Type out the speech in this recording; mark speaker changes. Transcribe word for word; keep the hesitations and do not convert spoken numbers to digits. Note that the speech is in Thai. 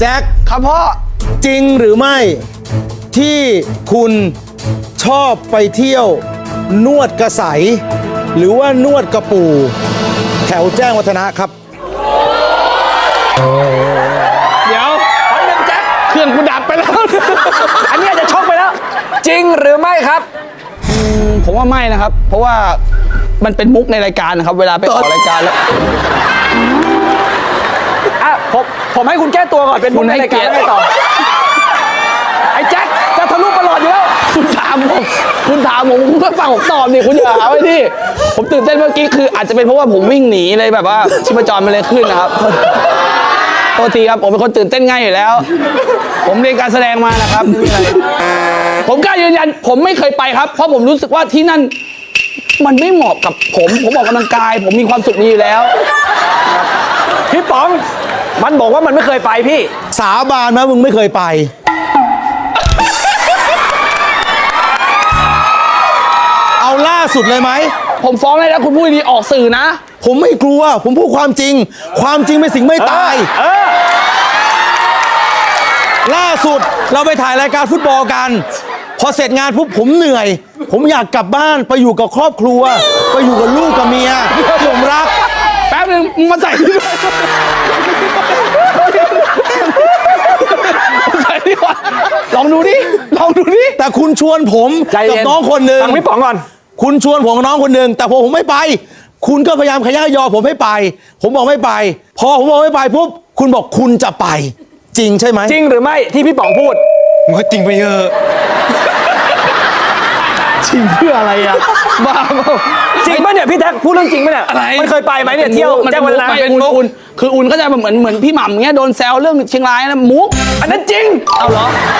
Speaker 1: แจ็ค
Speaker 2: ครับพ่อ
Speaker 1: จริงหรือไม่ที่คุณชอบไปเที่ยว นวดกระใสหรือว่านวดกระปูแถวแจ้งวัฒนะครับ
Speaker 2: เดี๋ยว
Speaker 3: อันหนึ่งแจ็ค
Speaker 2: เครื่องกูดับไปแล้ว
Speaker 3: อันนี้อาจจะช็อกไปแล้ว จริงหรือไม่ครับ
Speaker 2: ผมว่าไม่นะครับ เพราะว่ามันเป็นมุกในรายการนะครับ เวลาไปออกรายการแล้ว
Speaker 3: อ่ะผมผมให้คุณแก้ตัวก่อนเป็นมุกในรายการแล้วไงต่อ ไอ้แจ็คจะทะลุประหลอดอยู่แล้ว
Speaker 2: คุณถามผมคุณถามผมคุณก็ฟังผมตอบดิคุณอย่าหาไว้ดิผมตื่นเต้นเมื่อกี้คืออาจจะเป็นเพราะว่าผมวิ่งหนีเลยแบบว่าชีพจรมันเลยขึ้นนะครับโทษทีครับผมเป็นคนตื่นเต้นง่ายอยู่แล้ว ผมเรียนการแสดงมานะครับไม่มีอะไรผมกล้ายืนยันผมไม่เคยไปครับ เพราะผมรู้สึกว่าที่นั่นมันไม่เหมาะกับผมผมออกกำลังกาย ผมมีความสุขดีอยู่แล้ว
Speaker 3: พี่ป๋อง มันบอกว่ามันไม่เคยไปพี่
Speaker 1: สาบานไหมมึงไม่เคยไป เอาล่าสุดเลยไหม
Speaker 2: ผมฟ้องเลยนะคุณพูดดีๆออกสื่อนะ
Speaker 1: ผมไม่กลัว ผมพูดความจริง ความจริงเป็นสิ่งไม่ตาย
Speaker 3: เออ
Speaker 1: ล่าสุดเราไปถ่ายรายการฟุตบอลกัน พอเสร็จงานปุ๊บผมเหนื่อย ผมอยากกลับบ้านไปอยู่กับครอบครัว ไปอยู่กับลูกกับเมียที่ผมรัก
Speaker 2: แป๊บนึงมึงมาใส่ที่ด้วยใส่ดีกว่าลองดูดิลองดูดิ
Speaker 1: แต่คุณชวนผม
Speaker 3: ใจ
Speaker 1: กับ
Speaker 3: เย็น
Speaker 1: น้องคนหนึ่ง
Speaker 3: ฟังพี่ป๋องก่อน
Speaker 1: คุณชวนผมกับน้องคนหนึ่งแต่พอผมไม่ไป คุณก็พยายามขยันยอผมให้ไป ผมบอกไม่ไป พอผมบอกไม่ไปปุ๊บคุณบอกคุณจะไป จริงใช่ไหม
Speaker 3: จริงหรือไม่ที่พี่ป๋องพูด
Speaker 1: มันก็จริงไปเยอะ
Speaker 2: จริงเพื่ออะไรอ่ะบ้าเปล่า
Speaker 3: จริงป่ะเนี่ยพี่แท็กพูดเรื่องจริงป่ะเนี่ย
Speaker 2: อะไร
Speaker 3: มันเคยไปไหมเนี่ยเที่ยว
Speaker 2: มัน
Speaker 3: แจ้
Speaker 2: เป็
Speaker 3: ง
Speaker 2: น
Speaker 3: วั
Speaker 2: มุ
Speaker 3: ฒ
Speaker 2: ก
Speaker 3: นะ
Speaker 2: ไปเป็นมุกอุ่นคืออุ่นก็จะเหมือนเหมือนพี่หม่ำเงี้ยโดนแซวเรื่องเชียงรายนะมุก
Speaker 3: อันนั้นจริง
Speaker 2: เอาเหรอ